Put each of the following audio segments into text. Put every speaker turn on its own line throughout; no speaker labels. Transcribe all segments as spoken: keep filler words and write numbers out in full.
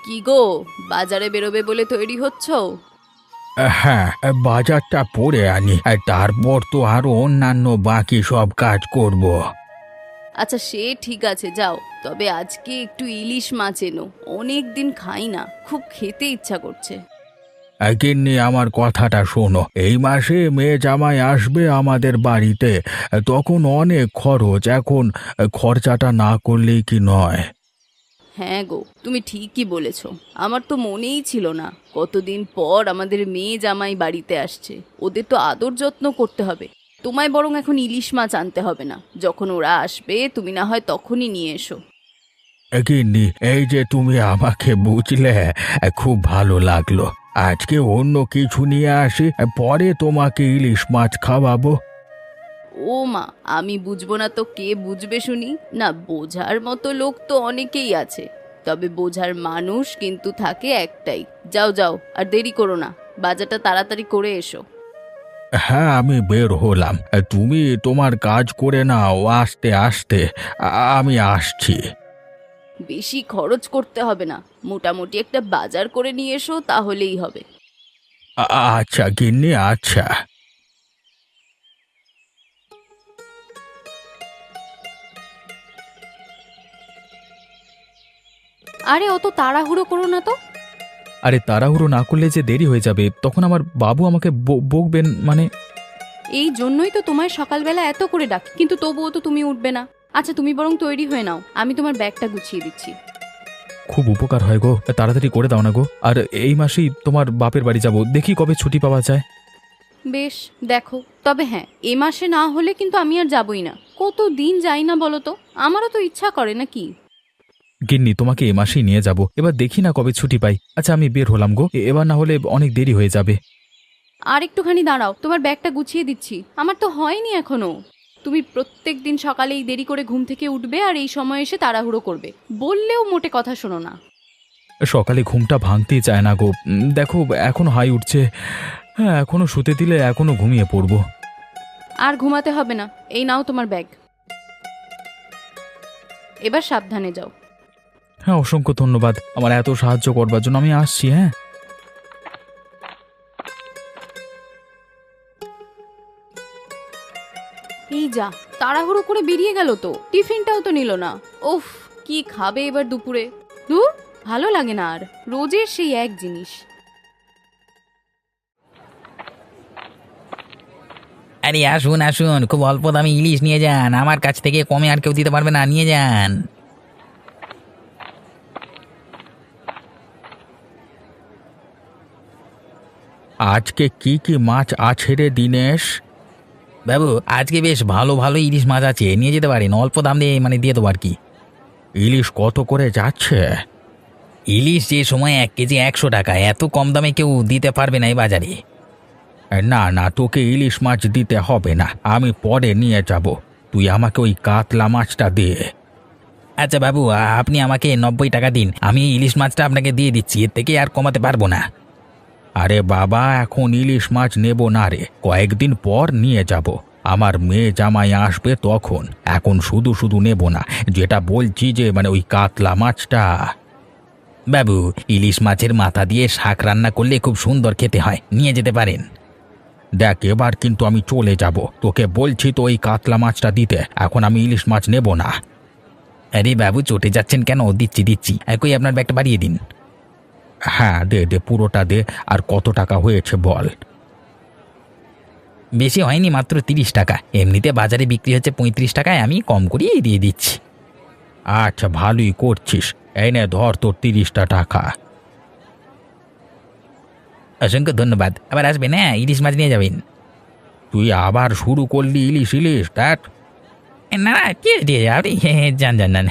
কি গো, বাজারে বেরোবে বলে তৈরি হচ্ছ?
হ্যাঁ, বাজারটা পরে আনি, তারপর তো আরো অন্যান্য বাকি সব কাজ করব।
আচ্ছা সে ঠিক আছে, যাও। তবে আজকে একটু ইলিশ মাছ এনো, অনেক দিন খাই না, খুব খেতে ইচ্ছা করছে।
গিন্নি, আমার কথাটা শোনো, এই মাসে মেয়ে জামাই আসবে আমাদের বাড়িতে, তখন অনেক খরচ, এখন খরচাটা না করলেই কি নয়?
হ্যাঁ গো, তুমি ঠিকই বলেছ। আমার তো মনেই ছিল না কতদিন পর আমাদের মেয়ে জামাই বাড়িতে আসছে। ওদের তো আদর যত্ন করতে হবে। তোমায় বরং এখন ইলিশ মাছ আনতে হবে না, যখন ওরা আসবে তুমি না হয় তখনই নিয়ে এসো।
গিন্নি, এই যে তুমি আমাকে বুঝলে, খুব ভালো লাগলো। আজকে অন্য কিছু নিয়ে আসি, পরে তোমাকে ইলিশ মাছ খাওয়াবো।
ও মা, আমি বুঝবো না তো কে বুঝবে শুনি? না, বোঝার মতো লোক তো অনেকেই আছে, তবে বোঝার মানুষ কিন্তু থাকে একটাই। যাও যাও, আর দেরি করো না, বাজারটা তাড়াতাড়ি করে এসো।
হ্যাঁ, আমি বের হলাম, তুমি তোমার কাজ করে নাও, আস্তে আস্তে আ- আমি আসছি।
বেশি খরচ করতে হবে না, মোটামুটি একটা বাজার করে নিয়ে এসো, তাহলেই হবে।
আ- আচ্ছা গিন্নি, আচ্ছা।
আরে অত তাড়াহুড়ো করো না তো।
আরে তাড়াহুড়ো না করলে যে দেরি হয়ে যাবে, তখন আমার বাবু আমাকে ব- বকবেন মানে।
এই জন্যই তো তোমায় সকালবেলা এত করে ডাকি, কিন্তু তবুও তো তুমি উঠবে না। আচ্ছা তুমি বরং তৈরি হয়ে নাও, আমি তোমার ব্যাগটা গুছিয়ে দিচ্ছি।
খুব উপকার হয় গো, তাড়াতাড়ি করে দাও না গো। আর এই মাসেই তোমার বাপের বাড়ি যাব, দেখি কবে ছুটি পাওয়া যায়।
বেশ, দেখো। তবে হ্যাঁ, এ মাসে না হলে কিন্তু আমি আর যাবই না। কত দিন যাই না বলো তো, আমারও তো ইচ্ছা করে নাকি।
গিন্নি, তোমাকে এ মাসেই নিয়ে যাব, এবার দেখি না কবে ছুটি পাই। আচ্ছা আমি বের হলাম গো, এ- এবার না হলে অনেক দেরি হয়ে যাবে।
আর একটুখানি দাঁড়াও, তোমার ব্যাগটা গুছিয়ে দিচ্ছি। আমার তো হয়নি এখনো। তুমি প্রত্যেক দিন সকালেই দেরি করে ঘুম থেকে উঠবে আর এই সময় এসে তাড়াহুড়ো করবে, বললেও মোটে কথা শোনো না।
সকালে ঘুমটা ভাঙতেই চায় না গো। উম, দেখো এখনো হাই উঠছে। হ্যাঁ, এখনো শুতে দিলে এখনো ঘুমিয়ে পড়বো।
আর ঘুমাতে হবে না, এই নাও তোমার ব্যাগ। এবার সাবধানে যাও।
হ্যাঁ, অসংখ্য ধন্যবাদ আমার এত সাহায্য করবার জন্য। আমি আসছি, হ্যাঁ।
এই যা, তাড়াহুড়ো করে বেরিয়ে গেল তো, টিফিনটাও তো নিল না। উফ, কি খাবে এবার দুপুরে? ধুর, ভালো লাগে না আর, রোজের সেই এক জিনিস।
আরে আসুন আসুন, খুব অল্প দামে ইলিশ নিয়ে যান, আমার কাছ থেকে কমে আর কেউ দিতে পারবে না, নিয়ে যান।
আজকে কি কি মাছ আছে রে দিনেশ?
বাবু, আজকে বেশ ভালো ভালো ইলিশ মাছ আছে, নিয়ে যেতে পারেন, অল্প দাম দিয়ে মানে দিয়ে দেবো আর কি।
ইলিশ কত করে যাচ্ছে?
ইলিশ যে সময় এক কেজি একশো টাকা, এত কম দামে কেউ দিতে পারবে না এই বাজারে।
না না, তোকে ইলিশ মাছ দিতে হবে না, আমি পরে নিয়ে যাব। তুই আমাকে ওই কাতলা মাছটা দে।
আচ্ছা বাবু, আ- আপনি আমাকে নব্বই টাকা দিন, আমি এই ইলিশ মাছটা আপনাকে দিয়ে দিচ্ছি, এর থেকে আর কমাতে পারবো না।
আরে বাবা, এখন ইলিশ মাছ নেব না রে, কয়েকদিন পর নিয়ে যাব। আমার মেয়ে জামাই আসবে তখন, এখন শুধু শুধু নেব না। যেটা বলছি যে মানে ওই কাতলা মাছটা।
বাবু, ইলিশ মাছের মাথা দিয়ে শাক রান্না করলে খুব সুন্দর খেতে হয়, নিয়ে যেতে পারেন।
দেখ, এবার কিন্তু আমি চলে যাব, তোকে বলছি তো ওই কাতলা মাছটা দিতে, এখন আমি ইলিশ মাছ নেব না।
আরে বাবু, চটে যাচ্ছেন কেন? দিচ্ছি দিচ্ছি, একই আপনার ব্যাগটা বাড়িয়ে দিন।
হ্যাঁ, দে দে, পুরোটা দে। আর কত টাকা হয়েছে বল?
বেশি হয়নি, মাত্র তিরিশ টাকা, এমনিতে বাজারে বিক্রি হচ্ছে পঁয়ত্রিশ টাকায়, আমি কম করিয়ে দিয়ে দিচ্ছি।
আচ্ছা, ভালোই করছিস। এই নে ধর তোর তিরিশটা টাকা।
অসংখ্য ধন্যবাদ, আবার আসবেন, হ্যাঁ, ইলিশ মাছ নিয়ে যাবেন।
তুই আবার শুরু করলি ইলিশ ইলিশ, দেখ।
না না, কি দিয়ে আপনি যান যান যান।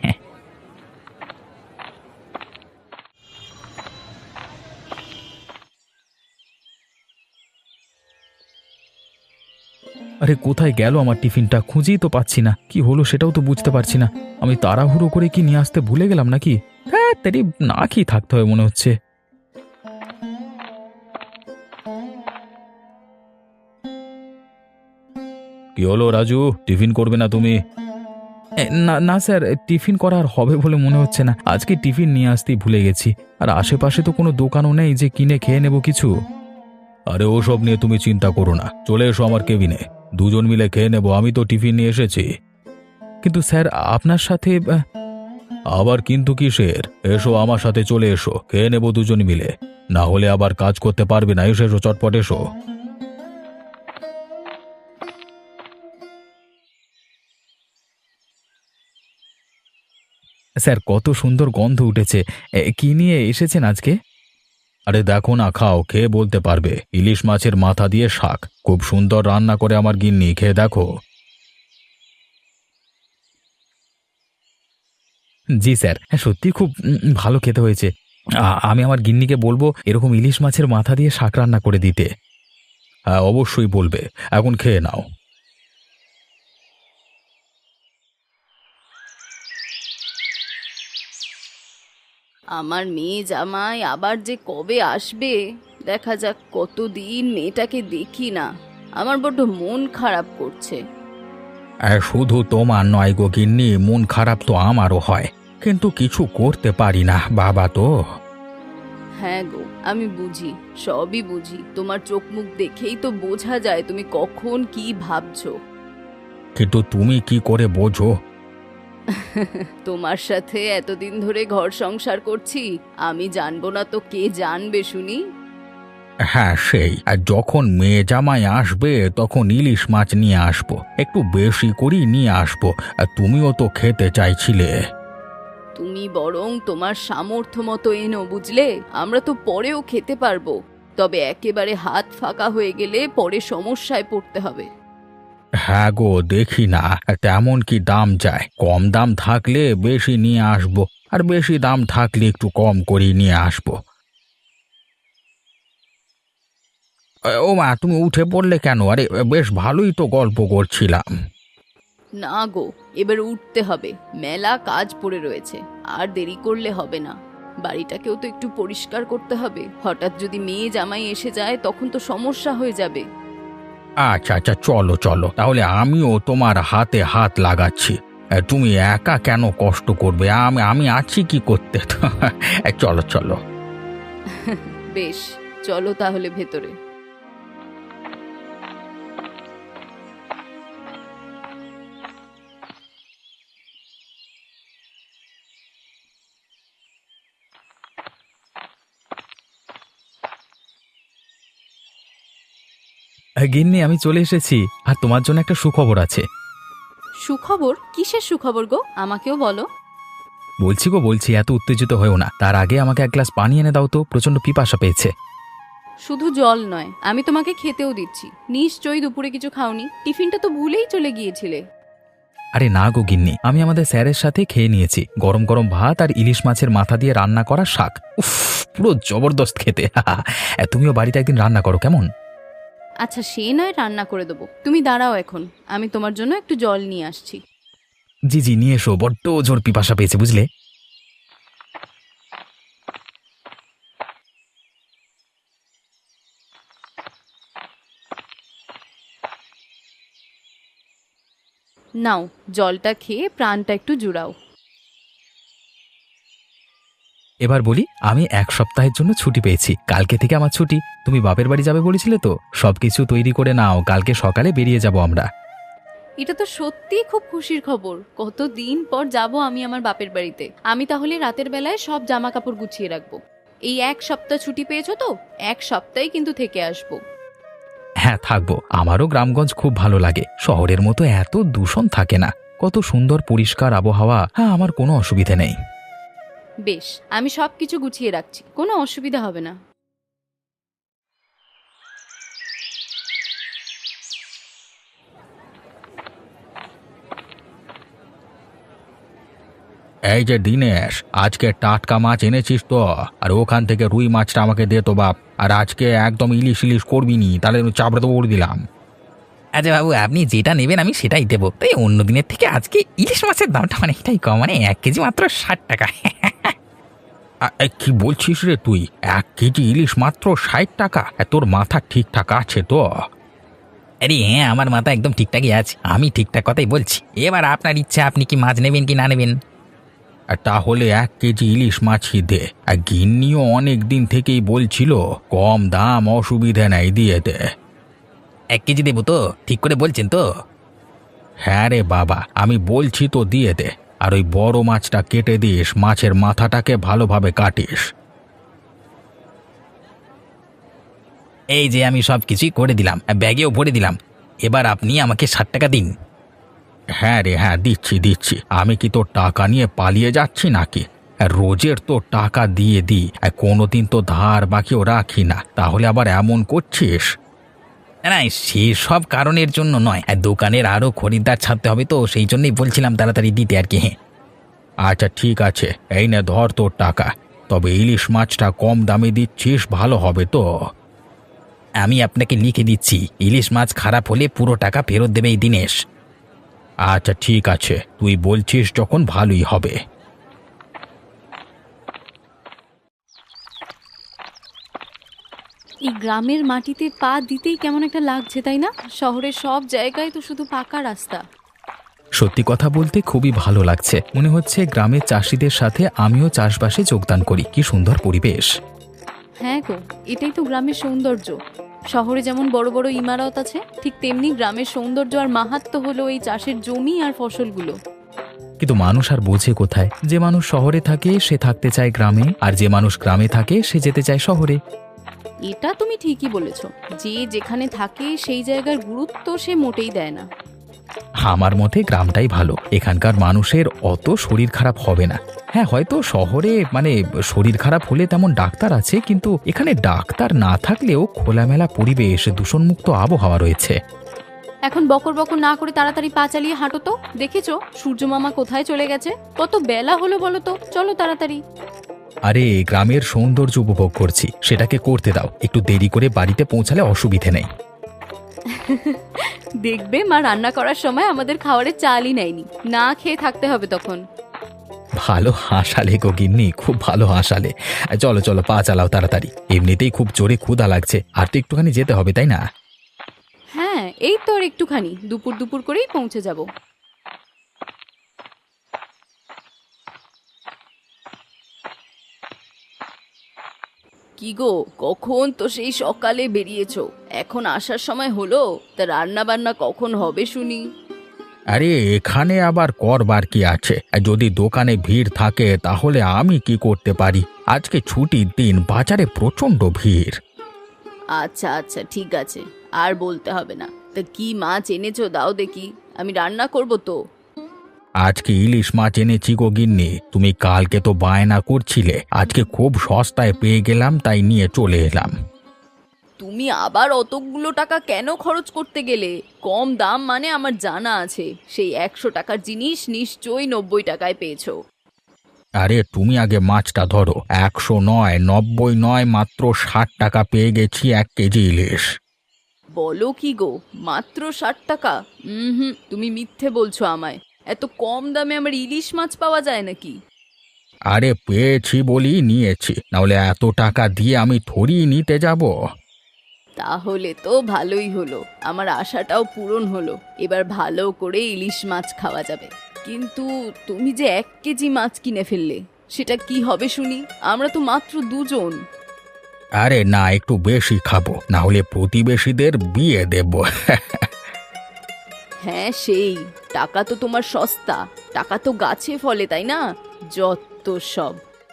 আরে কোথায় গেল আমার টিফিনটা? খুঁজেই তো পাচ্ছি না, কি হলো সেটাও তো বুঝতে পারছি না। আমি তাড়াহুড়ো করে কি নিয়ে আসতে ভুলে গেলাম নাকি? হ্যাঁ, তারি না খেয়ে থাকতে হবে মনে হচ্ছে। কি হলো রাজু, টিফিন করবে না তুমি? এ, না না স্যার, টিফিন করা আর হবে বলে মনে হচ্ছে না। আজকে টিফিন নিয়ে আসতেই ভুলে গেছি। আর আশেপাশে তো কোনো দোকানও নেই যে কিনে খেয়ে নেব কিছু।
আরে ওসব নিয়ে তুমি চিন্তা করো না, চলে এসো আমার কেবিনে, দুজন মিলে খেয়ে নেবো। আমি তো টিফিন নিয়ে এসেছি।
কিন্তু স্যার আপনার সাথে আহ,
আবার কিন্তু কিসের? এসো আমার সাথে, চলে এসো, খেয়ে নেবো দুজন মিলে। না হলে আবার কাজ করতে পারবে না। এসো এসো, চটপট এসো।
স্যার কত সুন্দর গন্ধ উঠেছে। এ, কি নিয়ে এসেছেন আজকে?
আরে দেখো না, খাও, খেয়ে বলতে পারবে। ইলিশ মাছের মাথা দিয়ে শাক, খুব সুন্দর রান্না করে আমার গিন্নি, খেয়ে দেখো।
জি স্যার, হ্যাঁ সত্যি খুব উম, ভালো খেতে হয়েছে। আ- আমি আমার গিন্নিকে বলবো এরকম ইলিশ মাছের মাথা দিয়ে শাক রান্না করে দিতে।
হ্যাঁ অবশ্যই বলবে। এখন খেয়ে নাও।
আমার মেয়ে জামাই আবার যে কবে আসবে, দেখা যাক। কতদিন মেয়েটাকে দেখি না, আমার বড্ড মন খারাপ করছে।
আর শুধু তোমার নয় গো গিন্নি, মন খারাপ তো আমারও হয়, কিন্তু কিছু করতে পারি না, বাবা তো।
হ্যাঁ গো, আমি বুঝি, সবই বুঝি। তোমার চোখ মুখ দেখেই তো বোঝা যায় তুমি কখন কি ভাবছো।
কিন্তু তুমি কি করে বোঝো?
তোমার সাথে এতদিন ধরে ঘর সংসার করছি, আমি জানবো না তো কে জানবে শুনি।
হ্যাঁ সেই, আর যখন মেয়ে জামাই আসবে তখন ইলিশ মাছ নিয়ে আসবো, একটু বেশি করেই নিয়ে আসবো। আর তুমিও তো খেতে চাইছিলে।
তুমি বরং তোমার সামর্থ্য মতো এনো, বুঝলে? আমরা তো পরেও খেতে পারবো, তবে একেবারে হাত ফাঁকা হয়ে গেলে পরে সমস্যায় পড়তে হবে।
হ্যাঁ গো, দেখি না তেমন কি দাম যায়। কম দাম থাকলে বেশি নিয়ে আসবো, আর বেশি দাম থাকলে একটু কম করে নিয়ে আসবো। এ, ও মা, তুমি উঠে পড়লে কেন? আরে বেশ ভালোই তো গল্প করছিলাম।
না গো, এবার উঠতে হবে, মেলা কাজ পড়ে রয়েছে, আর দেরি করলে হবে না। বাড়িটাকেও তো একটু পরিষ্কার করতে হবে, হঠাৎ যদি মেয়ে জামাই এসে যায় তখন তো সমস্যা হয়ে যাবে।
আচ্ছা আচ্ছা, চলো চলো, তাহলে আমিও তোমার হাতে হাত লাগাচ্ছি। এ, তুমি একা কেন কষ্ট করবে? আমি আমি আছি কি করতে। এ, চলো চলো।
বেশ, চলো তাহলে ভেতরে।
আহ, গিন্নি আমি চলে এসেছি, আর তোমার জন্য একটা সুখবর আছে।
সুখবর? কিসের সুখবর গো? আমাকেও বলো।
বলছি গো বলছি, এত উত্তেজিত হয়েও না। তার আগে আমাকে এক গ্লাস পানি এনে দাও তো, প্রচন্ড পিপাসা পেয়েছে।
শুধু জল নয়, আমি তোমাকে খেতেও দিচ্ছি। নিশ্চয়ই দুপুরে কিছু খাওনি, টিফিনটা তো ভুলেই চলে গিয়েছিলে।
আরে না গো গিন্নি, আমি আমাদের স্যারের সাথে খেয়ে নিয়েছি গরম গরম ভাত আর ইলিশ মাছের মাথা দিয়ে রান্না করা শাক। উফ, পুরো জবরদস্ত খেতে। এ, তুমিও বাড়িতে একদিন রান্না করো কেমন?
আচ্ছা, সে নয়, রান্না করে দেবো। তুমি দাঁড়াও এখন, আমি তোমার জন্য একটু জল নিয়ে আসছি।
জি জি, নিয়ে এসো, বড্ড জোর পিপাসা পেয়েছে বুঝলে।
নাও, জলটা খেয়ে প্রাণটা একটু জুড়াও।
এবার বলি, আমি এক সপ্তাহের জন্য ছুটি পেয়েছি। কালকে থেকে আমার ছুটি। তুমি বাপের বাড়ি যাবে বলেছিলে তো, সবকিছু তৈরি করে নাও, কালকে সকালে বেরিয়ে যাব আমরা।
এটা তো সত্যিই খুব খুশির খবর। কতদিন পর যাব আমি আমার বাপের বাড়িতে। আমি তাহলে রাতের বেলায় সব জামা কাপড় গুছিয়ে রাখবো। এই এক সপ্তাহ ছুটি পেয়েছো তো, এক সপ্তাহে কিন্তু থেকে আসবো।
হ্যাঁ থাকবো, আমারও গ্রামগঞ্জ খুব ভালো লাগে। শহরের মতো এত দূষণ থাকে না, কত সুন্দর পরিষ্কার আবহাওয়া। হ্যাঁ, আমার কোনো অসুবিধে নেই।
বেশ, আমি সব কিছু গুছিয়ে রাখছি, কোনো অসুবিধা হবে না।
এই যে দিনেশ, আজকে টাটকা মাছ এনেছিস তো? আর ওখান থেকে রুই মাছটা আমাকে দে তো বাপ। আর আজকে একদম ইলিশ ইলিশ করবি নি, তাহলে চাপড়ে তো উড় দিলাম।
আচ্ছা বাবু, আপনি যেটা নেবেন আমি সেটাই দেবো। তাই অন্য দিনের থেকে আজকে ইলিশ মাছের দামটা অনেকটাই কম, মানে এক কেজি মাত্র ষাট টাকা।
আ, এ, কি বলছিস রে তুই? এক কেজি ইলিশ মাত্র ষাট টাকা? এ, তোর মাথা ঠিকঠাক আছে তো?
আরে হ্যাঁ, আমার মাথা একদম ঠিকঠাকই আছে, আমি ঠিকঠাক কথাই বলছি। এবার আপনার ইচ্ছা, আপনি কি মাছ নেবেন কি না নেবেন।
আর তাহলে এক কেজি ইলিশ মাছই দে। আর গিন্নিও অনেক দিন থেকেই বলছিল কম দাম, অসুবিধে নাই, দিয়ে দে।
এক কেজি দেবো তো? ঠিক করে বলছেন তো?
হ্যাঁ রে বাবা, আমি বলছি তো, দিয়ে দে। আর ওই বড় মাছটা কেটে দিস, মাছের মাথাটাকে ভালোভাবে কাটিস।
এই যে আমি সব কিছুই করে দিলাম, ব্যাগেও ভরে দিলাম। এবার আপনি আমাকে ষাট টাকা দিন।
হ্যাঁ রে, হ্যাঁ দিচ্ছি দিচ্ছি। আমি কি তোর টাকা নিয়ে পালিয়ে যাচ্ছি নাকি? রোজের তো টাকা দিয়ে দিই, কোনোদিন তো ধার বাকিও রাখি না, তাহলে আবার এমন করছিস?
না, সেসব কারণের জন্য নয়, দোকানের আরও খরিদ্দার ছাড়তে হবে তো, সেই জন্যই বলছিলাম তাড়াতাড়ি দিতে আর কি।
আচ্ছা ঠিক আছে, এই নে ধর তোর টাকা। তবে ইলিশ মাছটা কম দামে দিচ্ছিস, ভালো হবে তো?
আমি আপনাকে লিখে দিচ্ছি, ইলিশ মাছ খারাপ হলে পুরো টাকা ফেরত দেবে এই দিনেশ।
আচ্ছা ঠিক আছে, তুই বলছিস যখন, ভালোই হবে।
এই গ্রামের মাটিতে পা দিতেই কেমন একটা লাগছে, তাই না? শহরের সব জায়গায় তো শুধু পাকা রাস্তা।
সত্যি কথা বলতে খুবই ভালো লাগছে, মনে হচ্ছে গ্রামের চাষিদের সাথে আমিও চাষবাসে যোগদান করি। কি সুন্দর পরিবেশ।
হ্যাঁ গো, এটাই তো গ্রামের সৌন্দর্য। শহরে যেমন বড় বড় ইমারত আছে, ঠিক তেমনি গ্রামের সৌন্দর্য আর মাহাত্ম্য হলো এই চাষের জমি আর ফসলগুলো।
কিন্তু মানুষ আর বোঝে কোথায়? যে মানুষ শহরে থাকে সে থাকতে চায় গ্রামে, আর যে মানুষ গ্রামে থাকে সে যেতে চায় শহরে।
এটা তুমি ঠিকই বলেছ, যে যেখানে থাকে সেই জায়গার গুরুত্ব সে মোটেই দেয় না।
আমার মতে গ্রামটাই ভালো, এখানকার মানুষের অত শরীর খারাপ হবে না। হ্যাঁ, হয়তো শহরে মানে শরীর খারাপ হলে তেমন ডাক্তার আছে, কিন্তু এখানে ডাক্তার না থাকলেও খোলামেলা পরিবেশ, দূষণমুক্ত আবহাওয়া রয়েছে।
এখন বকর বকর না করে তাড়াতাড়ি পা চালিয়ে হাঁটো তো। দেখেছো সূর্য মামা কোথায় চলে গেছে? কত বেলা হলো বলো তো, চলো তাড়াতাড়ি।
আরে গ্রামের সৌন্দর্য উপভোগ করছি, সেটাকে করতে দাও। একটু দেরি করে বাড়িতে পৌঁছালে অসুবিধে নেই।
দেখবে মা রান্না করার সময় আমাদের খাবারের চালই নেয়নি, না খেয়ে থাকতে হবে তখন।
ভালো হাসালে গো গিন্নি, খুব ভালো হাসালে। চলো চলো, পা চালাও তাড়াতাড়ি, এমনিতেই খুব জোরে ক্ষুধা লাগছে, আর তো একটুখানি যেতে হবে তাই না?
হ্যাঁ, এই তো আর একটুখানি, দুপুর দুপুর করেই পৌঁছে যাব। কি গো, কখন তো সেই সকালে বেরিয়েছো, এখন আসার সময় হলো? তা রান্না বান্না কখন হবে শুনি?
আরে এখানে আবার করবার কি আছে? যদি দোকানে ভিড় থাকে তাহলে আমি কি করতে পারি? আজকে ছুটির দিন, বাজারে প্রচণ্ড ভিড়।
আচ্ছা আচ্ছা ঠিক আছে, আর বলতে হবে না। তা কি মাছ এনেছো দাও দেখি, আমি রান্না করব তো।
আজকে ইলিশ মাছ এনেছি গো গিন্নি। তুমি কালকে তো বায়না করছিলে, আজকে খুব সস্তায় পেয়ে গেলাম, তাই নিয়ে চলে এলাম।
তুমি আবার অতগুলো টাকা কেন খরচ করতে গেলে? কম দাম মানে আমার জানা আছে, সেই একশো টাকার জিনিস নিশ্চয়ই নব্বই টাকায় পেয়েছো।
আরে তুমি আগে মাছটা ধরো, একশো নয়, নব্বই নয়, মাত্র ষাট টাকা পেয়ে গেছি এক কেজি ইলিশ।
বলো কি গো, মাত্র ষাট টাকা? হুম, তুমি মিথ্যে বলছো আমায়। এত কম দামে আমার ইলিশ মাছ পাওয়া যায় নাকি?
আরে পেয়েছি বলি নিয়েছি, নাহলে এত টাকা দিয়ে আমি থরি নিতে যাব?
তাহলে তো ভালোই হলো, আমার আশাটাও পূরণ হলো। এবার ভালো করে ইলিশ মাছ খাওয়া যাবে। কিন্তু তুমি যে এক কেজি মাছ কিনে ফেললে, সেটা কি হবে শুনি? আমরা তো মাত্র দুজন।
আরে না, একটু বেশি খাবো, না হলে প্রতিবেশীদের বিয়ে দেব।
হ্যাঁ সেই, টাকা তো তোমার সস্তা, টাকা তো গাছে ফলে তাই না? যত সব।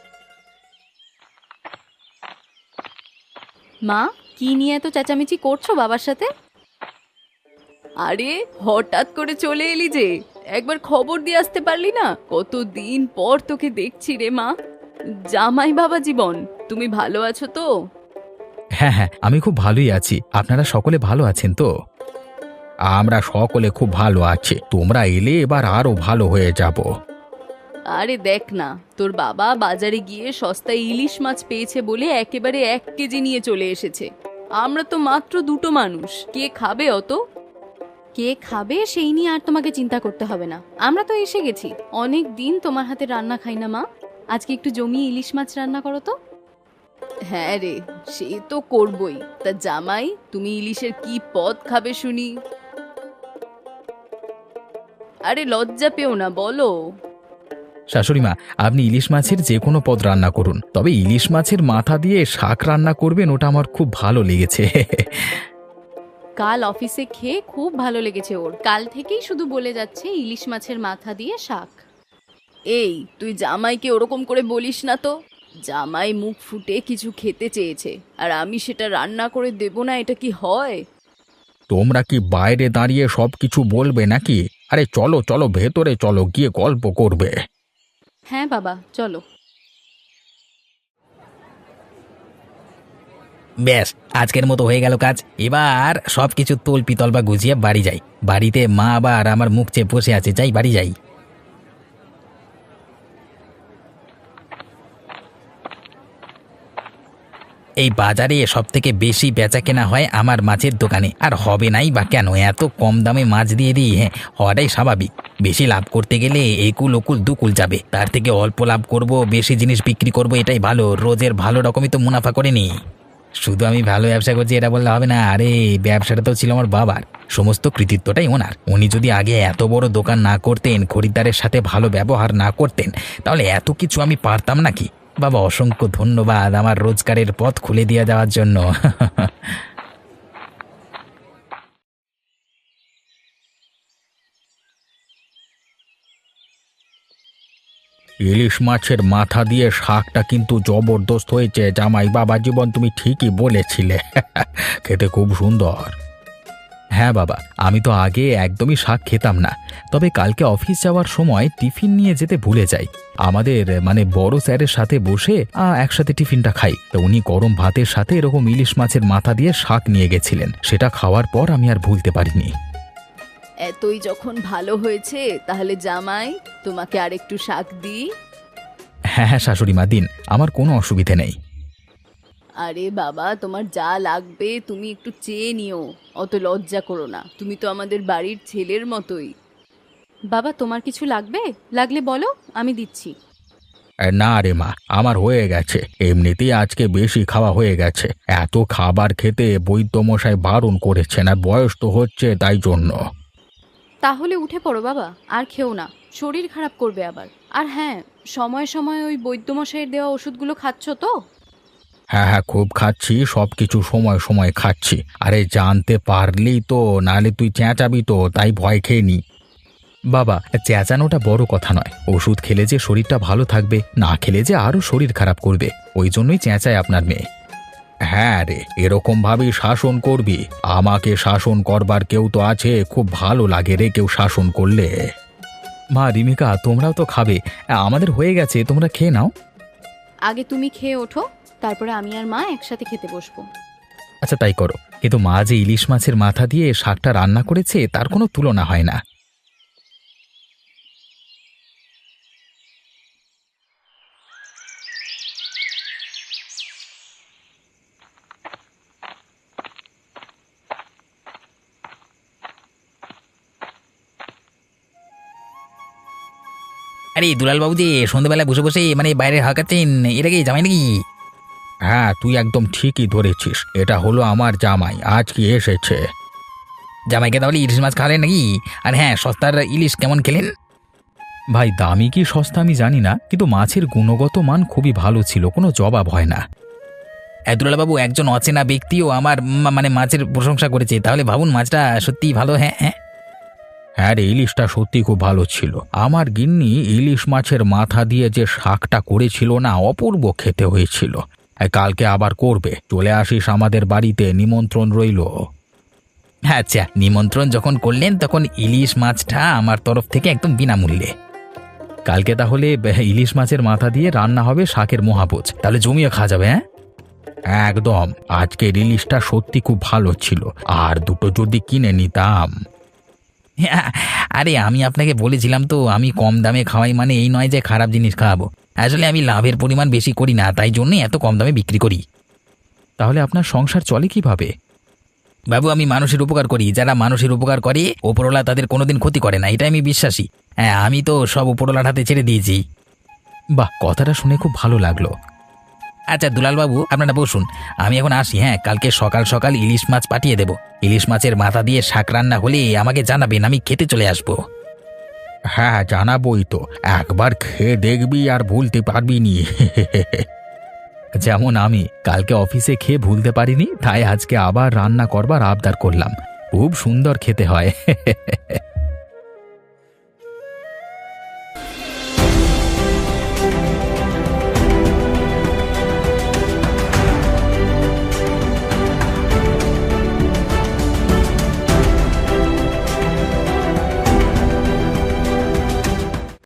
মা, কি নিয়ে এত চেঁচামেচি করছো বাবার সাথে? আরে হঠাৎ করে চলে এলি যে, একবার খবর দিয়ে আসতে পারলি না? কতদিন পর তোকে দেখছি রে মা। জামাই বাবা জীবন, তুমি ভালো আছো তো?
হ্যাঁ হ্যাঁ, আমি খুব ভালোই আছি। আপনারা সকলে ভালো আছেন তো?
আমরা সকলে খুব ভালো আছি, তোমরা এলে এবার আরো ভালো হয়ে যাব।
আরে দেখ না, তোর বাবা বাজারে গিয়ে সস্তায় ইলিশ মাছ পেয়েছে বলে একেবারে এক কেজি নিয়ে চলে এসেছে। আমরা তো মাত্র দুটো মানুষ, কে খাবে অত? কে খাবে সেই নিয়ে আর তোমাকে চিন্তা করতে হবে না, আমরা তো এসে গেছি। অনেক দিন তোমার হাতে রান্না খাই না মা, আজকে একটু জমিয়ে ইলিশ মাছ রান্না করো তো। হ্যাঁ রে, সে তো করবই। তা জামাই, তুমি ইলিশের কি পদ খাবে শুনি? আরে লজ্জা পেও না, বলো।
শাশুড়ি মা, আপনি ইলিশ মাছের যে কোনো পদ রান্না করুন, তবে ইলিশ মাছের মাথা দিয়ে শাক রান্না করবেন, ওটা আমার খুব ভালো লেগেছে।
কাল অফিসে খেয়ে খুব ভালো লেগেছে ওর, কাল থেকেই শুধু বলে যাচ্ছে ইলিশ মাছের মাথা দিয়ে শাক। এই, তুই জামাইকে ওরকম করে বলিস না তো। জামাই মুখ ফুটে কিছু খেতে চেয়েছে, আর আমি সেটা রান্না করে দেব না, এটা কি হয়?
তোমরা কি বাইরে দাঁড়িয়ে সব কিছু বলবে নাকি? আরে চলো চলো, ভেতরে চলো, গিয়ে গল্প করবে।
হ্যাঁ বাবা, চলো।
ব্যাস, আজকের মতো হয়ে গেল কাজ। এবার সব কিছু তোল পিতল বা গুছিয়ে বাড়ি যাই। বাড়িতে মা আবার আমার মুখ চেয়ে বসে আছে, যাই বাড়ি যাই। এই বাজারে সব থেকে বেশি বেচা কেনা হয় আমার মাছের দোকানে, আর হবে নাই বা কেন? এত কম দামে মাছ দিয়ে দিই, হ্যাঁ, হওয়াটাই স্বাভাবিক। বেশি লাভ করতে গেলে একুল ওকুল দুকুল যাবে, তার থেকে অল্প লাভ করব, বেশি জিনিস বিক্রি করব, এটাই ভালো। রোজের ভালো রকমই তো মুনাফা করে নি। শুধু আমি ভালো ব্যবসা করছি এটা বললে হবে না। আরে ব্যবসাটা তো ছিল আমার বাবার, সমস্ত কৃতিত্বটাই ওনার। উনি যদি আগে এত বড় দোকান না করতেন, খরিদ্দারের সাথে ভালো ব্যবহার না করতেন, তাহলে এত কিছু আমি পারতাম নাকি? বাবা, অসংখ্য ধন্যবাদ আমার রোজগারের পথ খুলে দিয়ে যাওয়ার জন্য।
ইলিশ মাছের মাথা দিয়ে শাকটা কিন্তু জবরদস্ত হয়েছে জামাই বাবা জীবন, তুমি ঠিকই বলেছিলে। খেতে খুব সুন্দর।
হ্যাঁ বাবা, আমি তো আগে একদমই শাক খেতাম না, তবে কালকে অফিস যাওয়ার সময় টিফিন নিয়ে যেতে ভুলে যাই। আমাদের মানে বড় স্যারের সাথে বসে আ, একসাথে টিফিনটা খাই, তো উনি গরম ভাতের সাথে এরকম ইলিশ মাছের মাথা দিয়ে শাক নিয়ে গেছিলেন। সেটা খাওয়ার পর আমি আর ভুলতে পারিনি।
এতই যখন ভালো হয়েছে, তাহলে জামাই, তোমাকে আরেকটু শাক দিই?
হ্যাঁ হ্যাঁ শাশুড়ি মা, দিন, আমার কোনো অসুবিধে নেই।
আরে বাবা, তোমার যা লাগবে তুমি একটু চেয়ে নিও, অত লজ্জা করো না, তুমি তো আমাদের বাড়ির ছেলের মতোই। বাবা, তোমার কিছু লাগবে? লাগলে বলো, আমি দিচ্ছি।
এ, না রে মা, আমার হয়ে গেছে, এমনিতেই আজকে বেশি খাওয়া হয়ে গেছে। এত খাবার খেতে বৈদ্যমশাই বারণ করেছেন, আর বয়স তো হচ্ছে তাই জন্য।
তাহলে উঠে পড়ো বাবা, আর খেও না, শরীর খারাপ করবে আবার। আর হ্যাঁ, সময় সময় ওই বৈদ্যমশাইয়ের দেওয়া ওষুধগুলো খাচ্ছ তো?
হ্যাঁ হ্যাঁ, খুব খাচ্ছি, সব কিছু সময় সময় খাচ্ছি। আরে জানতে পারলি তো, নালে তুই চেঁচাবি তো, তাই ভয় খেয়ে নি।
বাবা, চেঁচানোটা বড় কথা নয়, ওষুধ খেলে যে শরীরটা ভালো থাকবে, না খেলে যে আরও শরীর খারাপ করবে, ওই জন্যই চেঁচায় আপনার মেয়ে।
হ্যাঁ রে, এরকম ভাবেই শাসন করবি? আমাকে শাসন করবার কেউ তো আছে, খুব ভালো লাগে রে কেউ শাসন করলে।
মা রিমিকা, তোমরাও তো খাবে, আমাদের হয়ে গেছে, তোমরা খেয়ে নাও।
আগে তুমি খেয়ে ওঠো, তারপরে আমি আর মা একসাথে খেতে বসবো।
আচ্ছা তাই করো, কিন্তু মা যে ইলিশ মাছের মাথা দিয়ে শাকটা রান্না করেছে তার কোনো তুলনা হয় না।
আরে দুলাল বাবু যে সন্ধ্যেবেলায় বসে বসে মানে বাইরে হাঁকাচ্ছেন, এটা কি জামাই নাকি?
হ্যাঁ, তুই একদম ঠিকই ধরেছিস, এটা হলো আমার জামাই, আজ কি এসেছে।
জামাইকে তাহলে ইলিশ মাছ খাওয়ালেন নাকি? আর হ্যাঁ, সস্তার ইলিশ কেমন খেলেন?
ভাই, দামি কি সস্তা আমি জানি না, কিন্তু মাছের গুণগত মান খুবই ভালো ছিল, কোনো জবাব হয় না।
দুলাল বাবু, একজন অচেনা ব্যক্তিও আমার মা- মানে মাছের প্রশংসা করেছে, তাহলে ভাবুন মাছটা সত্যিই ভালো। হ্যাঁ হ্যাঁ
হ্যাঁ রে, ইলিশটা সত্যি খুব ভালো ছিল। আমার গিন্নি ইলিশ মাছের মাথা দিয়ে যে শাকটা করেছিল না, অপূর্ব খেতে হয়েছিল। এই, কালকে আবার করবে, চলে আসিস আমাদের বাড়িতে, নিমন্ত্রণ রইলো।
আচ্ছা, নিমন্ত্রণ যখন করলেন তখন ইলিশ মাছটা আমার তরফ থেকে একদম বিনামূল্যে।
কালকে তাহলে বে- ইলিশ মাছের মাথা দিয়ে রান্না হবে শাকের মহাভোজ, তাহলে জমিয়ে খাওয়া যাবে। হ্যাঁ
একদম, আজকের ইলিশটা সত্যি খুব ভালো ছিল, আর দুটো যদি কিনে নিতাম।
আরে আমি আপনাকে বলেছিলাম তো, আমি কম দামে খাওয়াই মানে এই নয় যে খারাপ জিনিস খাওয়াবো। আসলে আমি লাভের পরিমাণ বেশি করি না, তাই জন্যই এত কম দামে বিক্রি করি।
তাহলে আপনার সংসার চলে কিভাবে?
বাবু, আমি মানুষের উপকার করি, যারা মানুষের উপকার করে ওপরওয়ালা তাদের কোনোদিন ক্ষতি করে না, এটা আমি বিশ্বাসী। হ্যাঁ, আমি তো সব ওপরওয়ালার হাতে ছেড়ে দিয়েছি।
বাহ, কথাটা শুনে খুব ভালো লাগলো।
আচ্ছা দুলালবাবু আপনারা বসুন, আমি এখন আসি। হ্যাঁ, কালকে সকাল সকাল ইলিশ মাছ পাঠিয়ে দেব। ইলিশ মাছের মাথা দিয়ে শাক রান্না হলে আমাকে জানাবেন, আমি খেতে চলে আসবো।
হ্যাঁ জানাবই তো, একবার খেয়ে দেখবি আর ভুলতে পারবি নি।
যেমন আমি কালকে অফিসে খেয়ে ভুলতে পারিনি, তাই আজকে আবার রান্না করবার আবদার করলাম। খুব সুন্দর খেতে হয়।